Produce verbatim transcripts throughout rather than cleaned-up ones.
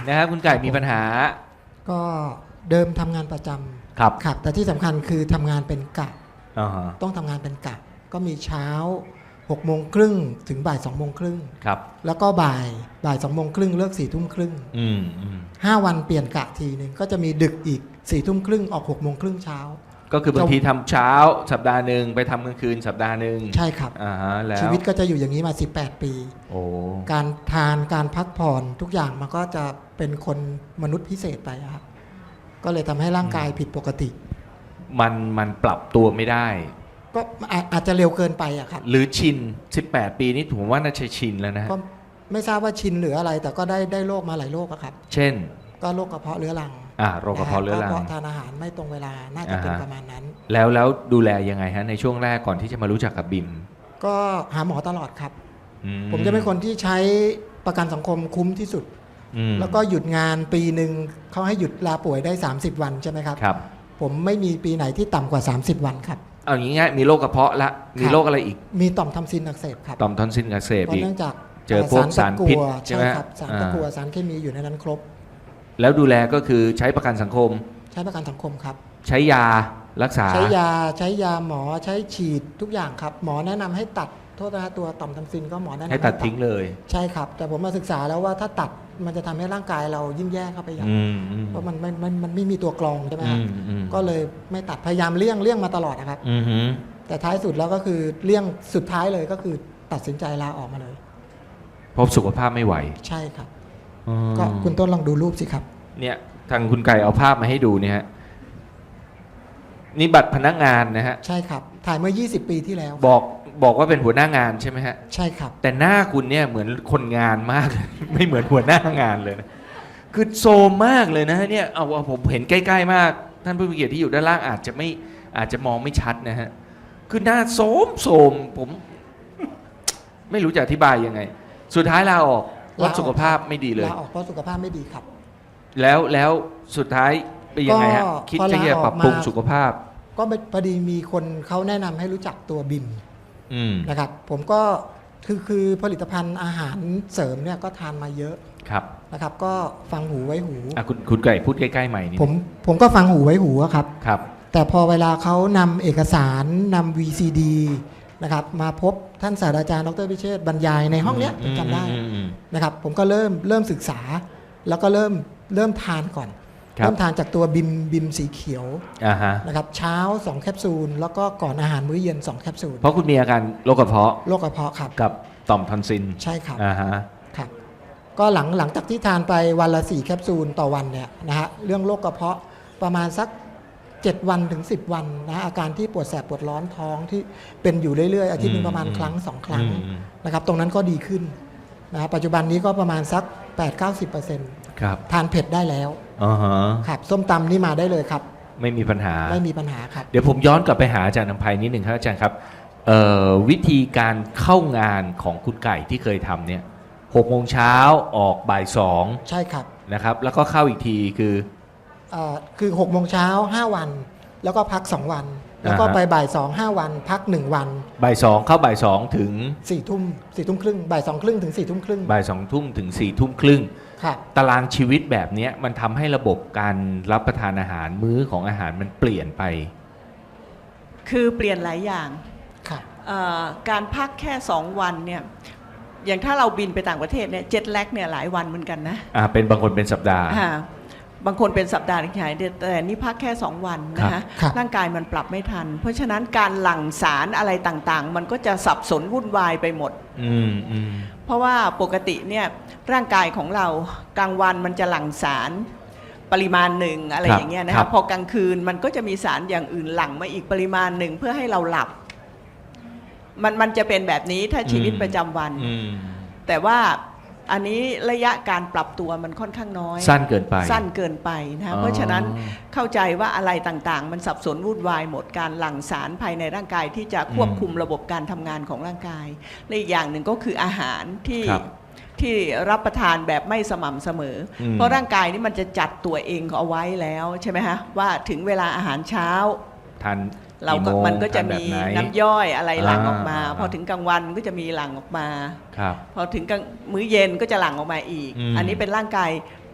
นะครับคุณไก่มีปัญหาก็เดิมทำงานประจำครับครับแต่ที่สำคัญคือทำงานเป็นกะอ่าฮะต้องทำงานเป็นกะก็มีเช้าหกโมงครึ่งถึงบ่ายสองโมงครึ่งครับแล้วก็บ่ายบ่ายสองโมงครึ่งเลิกสี่ทุ่มครึ่งอืมอืมห้าวันเปลี่ยนกะทีหนึ่งก็จะมีดึกอีกสี่ทุ่มครึ่งออกหกโมงครึ่งเช้าก็คือบางทีทำเช้าสัปดาห์หนึ่งไปทำกลางคืนสัปดาห์หนึ่งใช่ครับอ่าฮะแล้วชีวิตก็จะอยู่อย่างนี้มาสิบแปดปีโอ้การทานการพักผ่อนทุกอย่างมันก็จะเป็นคนมนุษย์พิเศษไปอะครับก็เลยทำให้ร่างกายผิดปกติมันมันปรับตัวไม่ได้ก็อาอาจจะเร็วเกินไปอะครับหรือชินสิบแปดปีนี่ผมว่าน่าจะชินแล้วนะฮะก็ไม่ทราบว่าชินหรืออะไร แต่ก็ได้ได้โรคมาหลายโรคอะครับเช่นก็โรคกระเพาะเรื้อรังอ่าโรคกระเพาะเรื้อรังเพราะทานอาหารไม่ตรงเวลาน่าจะเป็นอ่าฮะประมาณนั้นแล้วแล้วดูแลยังไงฮะในช่วงแรกก่อนที่จะมารู้จักกับบิมก็หาหมอตลอดครับอืผมจะเป็นคนที่ใช้ประกันสังคมคุ้มที่สุดอืมแล้วก็หยุดงานปีหนึ่งเขาให้หยุดลาป่วยได้สามสิบวันใช่ไหมครับครับผมไม่มีปีไหนที่ต่ำกว่าสามสิบวันครับเอาอย่างงี้ง่ายมีโรคกระเพาะละมีโรคอะไรอีกมีต่อมทำซินอักเสบครับต่อมทอนซิลอักเสบเพราะอีกเนื่องจากเจอพวกสารพิษใช่ใช่ไหมครับสารตะกั่วอ่าสารเคมีอยู่ในนั้นครบแล้วดูแลก็คือใช้ประกันสังคมใช้ประกันสังคมครับใช้ยารักษาใช้ยาใช้ยาหมอใช้ฉีดทุกอย่างครับ หมอแนะนำให้ตัดโทษนะฮะตัวต่อมทำซินก็หมอแนะนำให้ตัดทิ้งเลยใช่ครับ แต่ผมมาศึกษาแล้วว่าถ้าตัดมันจะทำให้ร่างกายเรายิ่งแย่เข้าไปอย่างอืมอืมเพราะมันมันมันมันไม่มีตัวกรองใช่ไหมอืฮะมอืมก็เลยไม่ตัดพยายามเลี่ยงเลี่ยงมาตลอดนะครับอืมฮึแต่ท้ายสุดแล้วก็คือเลี่ยงสุดท้ายเลยก็คือตัดสินใจลาออกมาเลยเพราะสุขภาพไม่ไหวใช่ครับอืมก็คุณต้นลองดูรูปสิครับเนี่ยทางคุณไก่เอาภาพมาให้ดูเนี่ยฮะนี่บัตรพนักงานนะฮะใช่ครับ ถ่ายเมื่อ ยี่สิบ ปีที่แล้วบอกบอกว่าเป็นหัวหน้างานใช่ไหมฮะใช่ครับแต่หน้าคุณเนี่ยเหมือนคนงานมาก ไม่เหมือนหัวหน้างานเลยนะคือโซมมากเลยนะฮะเนี่ยเอาเอาผมเห็นใกล้ๆมาก ท่านผู้มีเกียรติที่อยู่ด้านล่างอาจจะไม่อาจจะมองไม่ชัดนะฮะคือหน้าโสมโสมผม ไม่รู้จะอธิบายยังไง สุดท้ายลาออกเพราะสุขภาพไม่ดีเลยลาออกเพราะสุขภาพไม่ดีครับแล้วแล้วสุดท้ายเป็นยังไงฮะก็คิดพอจะลาจะออกปรับปรุงมาสุขภาพก็พอดีมีคนเขาแนะนำให้รู้จักตัวบิมอืมนะครับ ผมก็คือคือผลิตภัณฑ์อาหารเสริมเนี่ยก็ทานมาเยอะครับนะครับ ก็ฟังหูไว้หูอ่ะคุณคุณไก่พูดใกล้ๆใหม่นี่ผมผมก็ฟังหูไว้หูอะครับครับแต่พอเวลาเขานำเอกสารนำ วี ซี ดี นะครับมาพบท่านศาสตราจารย์ดรพิเชษฐ์บรรยายในห้องเนี้ยผมจำได้อืมอืมนะครับ ผมก็เริ่มเริ่มศึกษา แล้วก็เริ่มเริ่มทานก่อนครับเริ่มทานจากตัวบิมบิมสีเขียวอ่าฮะนะครับเช้าสองแคปซูลแล้วก็ก่อนอาหารมื้อเย็นสองแคปซูลเพราะคุณมีอาการโรคกระเพาะโรคกระเพาะครับกับต่อมทอนซิลใช่ครับอ่าฮะครับก็หลังหลังจากที่ทานไปวันละสี่แคปซูลต่อวันเนี่ยนะฮะเรื่องโรคกระเพาะประมาณสักเจ็ดวันถึงสิบวันนะฮะอาการที่ปวดแสบปวดร้อนท้องที่เป็นอยู่เรื่อยๆอาทิตย์หนึงประมาณครั้งสองครั้งอืมนะครับตรงนั้นก็ดีขึ้นนะฮะปัจจุบันนี้ก็ประมาณสัก แปดถึงเก้าสิบเปอร์เซ็นต์ครับทานเผ็ดได้แล้วอ่าฮะครับส้มตำนี่มาได้เลยครับไม่มีปัญหาไม่มีปัญหาครับเดี๋ยวผมย้อนกลับไปหาอาจารย์นำภัยนิดหนึ่งครับอาจารย์ครับเอ่อวิธีการเข้างานของคุณไก่ที่เคยทำเนี่ยหกโมงเช้าออกบ่ายสองใช่ครับนะครับ แล้วก็เข้าอีกทีคือเอ่อคือหกโมงเช้าห้าวัน แล้วก็พักสองวัน แล้วก็อ่าฮะไปบ่ายสองห้าวัน พักหนึ่งวันบ่ายสองเข้าบ่ายสองถึงสี่ทุ่มสี่ทุ่มครึ่งบ่ายสองครึ่งถึงสี่ทุ่มครึ่งบ่ายสองทุ่มถึงสี่ทุ่มครึ่งครับตารางชีวิตแบบเนี้ยมันทำให้ระบบการรับประทานอาหารมื้อของอาหารมันเปลี่ยนไปคือเปลี่ยนหลายอย่างครับเอ่อการพักแค่สองวันเนี่ยอย่างถ้าเราบินไปต่างประเทศเนี่ยเจ็ตแลกเนี่ยหลายวันเหมือนกันนะอ่าเป็นบางคนเป็นสัปดาห์อ่าบางคนเป็นสัปดาห์หนึ่งหายเดือนแต่นี่พักแค่สองวันนะคะครับร่างกายมันปรับไม่ทัน เพราะฉะนั้นการหลั่งสารอะไรต่างๆ มันก็จะสับสนวุ่นวายไปหมดอืมอืมเพราะว่าปกติเนี่ยร่างกายของเรากลางวันมันจะหลั่งสารปริมาณหนึ่งอะไรอย่างเงี้ยนะคะพอกลางคืนมันก็จะมีสารอย่างอื่นหลั่งมาอีกปริมาณหนึ่งเพื่อให้เราหลับ มันมันจะเป็นแบบนี้ถ้าชีวิตประจำวันอืมแต่ว่าอันนี้ระยะการปรับตัวมันค่อนข้างน้อยสั้นเกินไปสั้นเกินไปนะอ๋อเพราะฉะนั้นเข้าใจว่าอะไรต่างๆ มันสับสนวุ่นวายหมดการหลั่งสารภายในร่างกายที่จะควบคุมระบบการทำงานของร่างกายและอีกอย่างหนึ่งก็คืออาหารที่ครับที่รับประทานแบบไม่สม่ำเสมออมเพราะร่างกายนี่มันจะจัดตัวเองเอาไว้แล้วใช่ไหมฮะว่าถึงเวลาอาหารเช้าทานเราก็โงมันก็จะทาแบบมีไหน้ำย่อยอะไรหลั่งออกมาอ่าพอถึงกลางวันก็จะมีหลั่งออกมาครับพอถึงกลางมื้อเย็นก็จะหลั่งออกมาอีกอืมอันนี้เป็นร่างกาย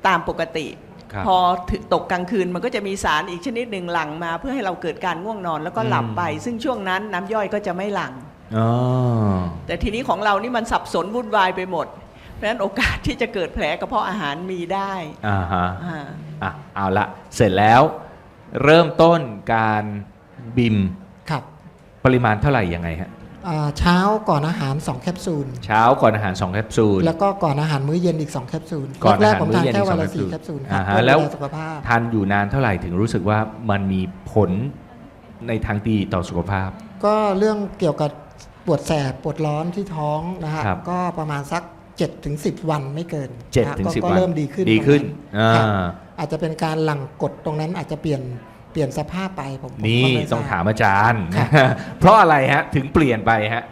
ตามปกติครับพอถึงตกกลางคืนมันก็จะมีสารอีกชนิดหนึ่งหลั่งมาเพื่อให้เราเกิดการง่วงนอนแล้วก็หลับไป ซึ่งช่วงนั้นน้ำย่อยก็จะไม่หลั่งอ๋อแต่ทีนี้ของเรานี่มันสับสนวุ่นวายไปหมด เพราะฉะนั้นโอกาสที่จะเกิดแผลกระเพาะอาหารมีได้อ่าฮะอ่าอ่ะเอาละเสร็จแล้วเริ่มต้นการบิมครับปริมาณเท่าไหร่ยังไงฮะอ่าเช้าก่อนอาหารสองแคปซูลเช้าก่อนอาหารสองแคปซูลแล้วก็ก่อนอาหารมื้อเย็นอีกสองแคปซูลก่อนอาแรหาก รๆผมมื้ทาอน เย็นแค่อีกวันสละองสี่แคแคปปซูซูลลครัอ่าบฮะเพื่อแล้วดูแลสุขภาพทานอยู่นานเท่าไหร่ถึงรู้สึกว่ามันมีผลในทางดีต่อสุขภาพก็เรื่องเกี่ยวกับปวดแสบปวดร้อนที่ท้องนะฮะครับก็ประมาณสักเจ็ดถึงสิบวันไม่เกินเจ็ดนะฮะถึงก็สิบก็วันเริ่มดีขึ้นดีขึ้นตรงครับอ่าอาจจะเป็นการหลั่งกดตรงนั้นอาจจะเปลี่ยนเปลี่ยนสภาพไปผมผมนี่ก็ไม่ทรบต้องถามอาจารย์ครับเพราะอะไรฮะ ถึงเปลี่ยนไปฮะ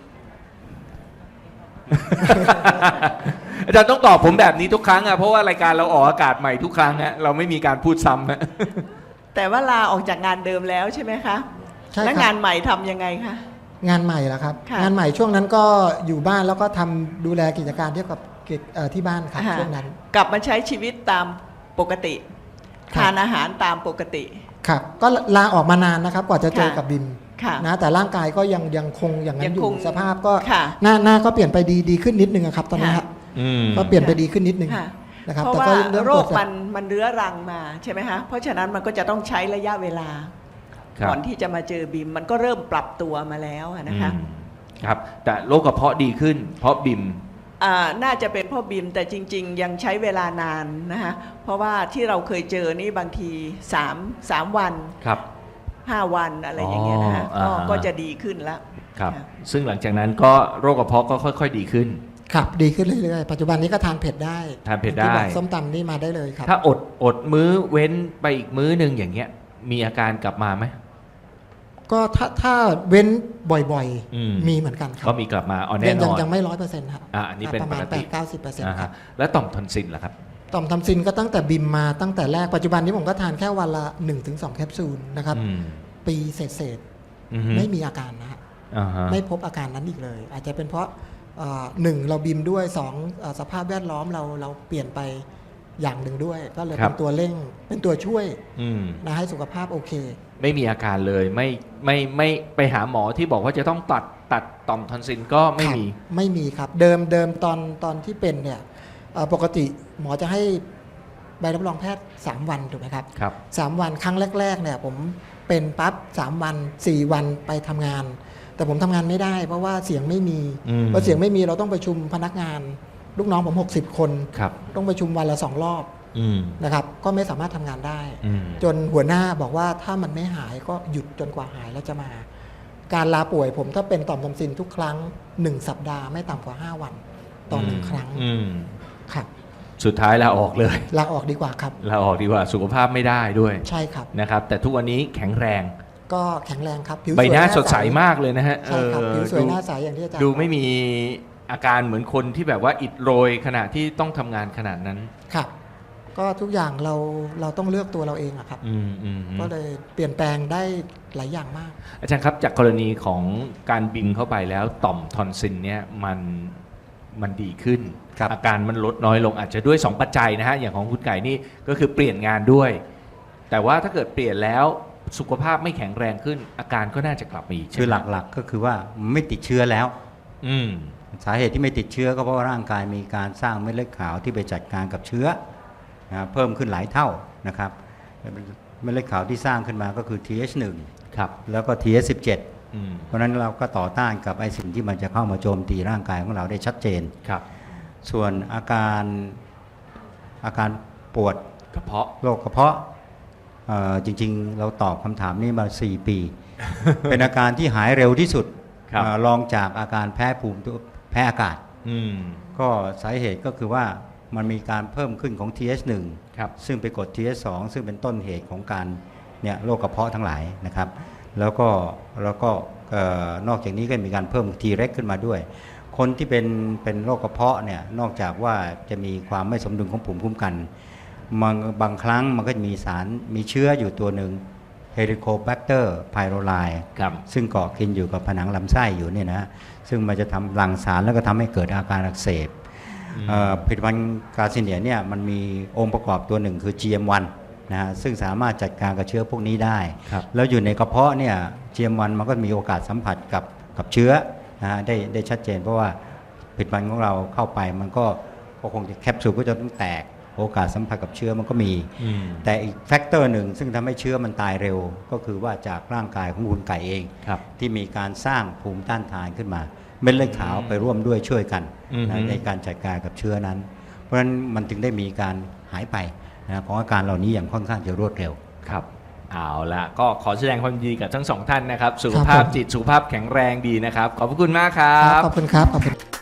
อาจารย์ต้องตอบผมแบบนี้ทุกครั้งอะเพราะว่ารายการเราออกอากาศใหม่ทุกครั้งฮะเราไม่มีการพูดซ้ำฮะแต่ว่าลาออกจากงานเดิมแล้วใช่ไหมคะใช่แล้วครังาบนใหม่ทำยังไงคะงานใหม่แล้วครับค่ะงานใหม่ช่วงนั้นก็อยู่บ้านแล้วก็ทำดูแลกิจการเกี่ยวกับกิจเอ่อที่บ้านครับอ่าช่วงนั้นกลับมาใช้ชีวิตตามปกติครับทานอาหารตามปกติครับก็ลาออกมานานนะครับกว่าจะเจอค่ะกับบิมค่ะนะแต่ร่างกายก็ยังยังคงอย่างนั้ยันงอยู่คงสภาพก็ค่ะหน้าหน้าก็เปลี่ยนไปดีดีขึ้นนิดนึงอะครับตอนนี้ค่ะครับอืมก็เปลี่ยนไปดีขึ้นนิดนึงค่ะนะครับเพราะแต่ว่าก็เรื่องโรปวคดแสบมันมันเรื้อรังมาใช่ไหมคะเพราะฉะนั้นมันก็จะต้องใช้ระยะเวลาครับก่อนที่จะมาเจอบิมมันก็เริ่มปรับตัวมาแล้วอะนะคะอืมครับ แต่โรคกระเพาะดีขึ้น เพราะบิมอ่าน่าจะเป็นเพ่อบิมแต่จริง ๆ ยังใช้เวลานานนะคะเพราะว่าที่เราเคยเจอนี่บางทีสามสามวันครับห้าวันอะไรอย่างเงี้ยนะคะอ๋อก็อ่าฮะก็จะดีขึ้นแล้วครับค่ะซึ่งหลังจากนั้นก็โรคกระเพาะก็ค่อยๆดีขึ้นครับดีขึ้นเรื่อยๆปัจจุบันนี้ก็ทานเผ็ดได้ทานเผ็ดได้ที่บอกส้มตำนี่มาได้เลยครับถ้าอดอดมื้อเว้นไปอีกมื้อหนึ่งอย่างเงี้ย มีอาการกลับมาไหมก็ถ้าถ้าเว้นบ่อยอืมๆ มีเหมือนกันครัก็บมีกลับมาอ๋อยัแน่งนยังอนยังไม่ร้อยเปอร์เซ็นต์ครับอ่ะอันนี้เป็นประมาณปกแปติดเก้าสิบเปอร์เซ็นต์อ่าครัฮะบแล้วต่อมทอนซิลล่ะครับต่อมทำซินก็ตั้งแต่บิมมาตั้งแต่แรกปัจจุบันนี้ผมก็ทานแค่วันละ หนึ่งถึงสอง แคปซูลนะครับอืมปีเศษอือฮึๆไม่มีอาการนะฮะอ่าฮะไม่พบอาการนั้นอีกเลย อาจจะเป็นเพราะเอ่อหนึ่งเราบิมด้วยสองเอ่อสภาพแวดล้อมเราเราเปลี่ยนไปอย่างหนึ่งด้วย ก็เลยเป็นตัวเร่งเป็นตัวช่วยอืมนะให้สุขภาพโอเคไม่มีอาการเลยไม่ไม่ไม่ไปหาหมอที่บอกว่าจะต้องตัดตัดต่อมทอนซิลก็ไม่ครับมีไม่มีครับ เดิมเดิมตอนตอนที่เป็นเนี่ยเอ่อปกติหมอจะให้ใบรับรองแพทย์ สาม วันถูกไหมครับครับสามวันครั้งแรกๆเนี่ยผมเป็นปั๊บสามวันสี่วันไปทำงาน แต่ผมทำงานไม่ได้ เพราะว่าเสียงไม่มีอืมพอเสียงไม่มีเราต้องประชุมพนักงาน ลูกน้องผมหกสิบคนครับต้องประชุมวันละสองรอบอืมนะครับก็ไม่สามารถทำงานได้อืมจนหัวหน้าบอกว่าถ้ามันไม่หายก็หยุดจนกว่าหายแล้วจะมา การลาป่วยผมถ้าเป็นต่อมทำซินทุกครั้งหนึ่งสัปดาห์ไม่ต่ำกว่าห้าวันต่อหนึ่งครั้งอืมครับสุดท้ายลาออกเลยลาออกดีกว่าครับลาออกดีกว่าสุขภาพไม่ได้ด้วยใช่ครับนะครับ แต่ทุกวันนี้แข็งแรงก็แข็งแรงครับผิวใบสวยหน้าใสดใสมากเลยนะฮะใช่ครับเออผิวสวยดูหน้าใสอย่างที่อาจารย์ดูบอกไม่มีอาการเหมือนคนที่แบบว่าอิดโรยขณะที่ต้องทำงานขนาดนั้นครับ ก็ทุกอย่างเราเราต้องเลือกตัวเราเองอะครับอืมอืมอืมก็เลยเปลี่ยนแปลงได้หลายอย่างมากอาจารย์ครับจากกรณีของการบินเข้าไปแล้วต่อมทอนซิลเนี่ยมันมันดีขึ้นครับอาการมันลดน้อยลงอาจจะด้วยสองปัจจัยนะฮะอย่างของคุณไก่นี่ก็คือเปลี่ยนงานด้วย แต่ว่าถ้าเกิดเปลี่ยนแล้วสุขภาพไม่แข็งแรงขึ้น อาการก็น่าจะกลับมาอีกคือใช่ไมหลักๆก็คือว่าไม่ติดเชื้อแล้วอืมสาเหตุที่ไม่ติดเชื้อก็เพราะว่าร่างกายมีการสร้างเม็ดเลือดขาวที่ไปจัดการกับเชื้อนะเพิ่มขึ้นหลายเท่านะครับเม็ดเลือดขาวที่สร้างขึ้นมาก็คือ ที เอช หนึ่งครับแล้วก็ ที เอช สิบเจ็ดอืมเพราะฉะนั้นเราก็ต่อต้านกับไอ้สิ่งที่มันจะเข้ามาโจมตีร่างกายของเราได้ชัดเจนครับส่วนอาการอาการปวดกระเพาะโรคกระเพาะเอ่อจริงๆ เราตอบคำถามนี้มา สี่ ปี เป็นอาการที่หายเร็วที่สุดครับเอ่อรองจากอาการแพ้ภูมิตัวแพ้อากาศอืมก็สาเหตุก็คือว่ามันมีการเพิ่มขึ้นของ ที เอช หนึ่งครับซึ่งไปกด ที เอช สอง ซึ่งเป็นต้นเหตุของการเนี่ยโรคกระเพาะทั้งหลายนะครับ แล้วก็แล้วก็เอ่อนอกจากนี้ก็มีการเพิ่ม ที เร็ก ขึ้นมาด้วย คนที่เป็นเป็นโรคกระเพาะเนี่ยนอกจากว่าจะมีความไม่สมดุลของภูมิคุ้มกันมันบางครั้งมันก็จะมีสารมีเชื้ออยู่ตัวหนึ่ง Helicobacter pylori ครับซึ่งเกาะกินอยู่กับผนังลำไส้อยู่เนี่ยนะซึ่งมันจะทำหลั่งสารแล้วก็ทำให้เกิดอาการอักเสบอืมเอ่อผลิตภัณฑ์กาซิเนียเนี่ยมันมีองค์ประกอบตัวหนึ่งคือ จี เอ็ม วัน นะฮะซึ่งสามารถจัดการกับเชื้อพวกนี้ได้ครับแล้วอยู่ในกระเพาะเนี่ย จี เอ็ม วัน มันก็มีโอกาสสัมผัสกับกับเชื้อนะฮะได้ได้ชัดเจนเพราะว่าผลิตภัณฑ์ของเราเข้าไปมันก็ก็คงจะแคปซูลก็จะต้องแตกโอกาสสัมผัสกับเชื้อมันก็มีอืมแต่อีกแฟกเตอร์หนึ่งซึ่งทำให้เชื้อมันตายเร็ว ก็คือว่าจากร่างกายของคุณไก่เองครับที่มีการสร้างภูมิต้านทานขึ้นมาเม็ดเลือดขาวไปร่วมด้วยช่วยกันอือฮึนะในการจัดการกับเชื้อนั้น เพราะฉะนั้นมันถึงได้มีการหายไปนะของอาการเหล่านี้อย่างค่อนข้างจะรวดเร็วครับเอาละก็ขอแสดงความยินดีกับทั้งสองท่านนะครับ สุขครับภาพผมจิตสุขภาพแข็งแรงดีนะครับ ขอบพระคุณมากครัครับบขอบคุณครับขอบคุณ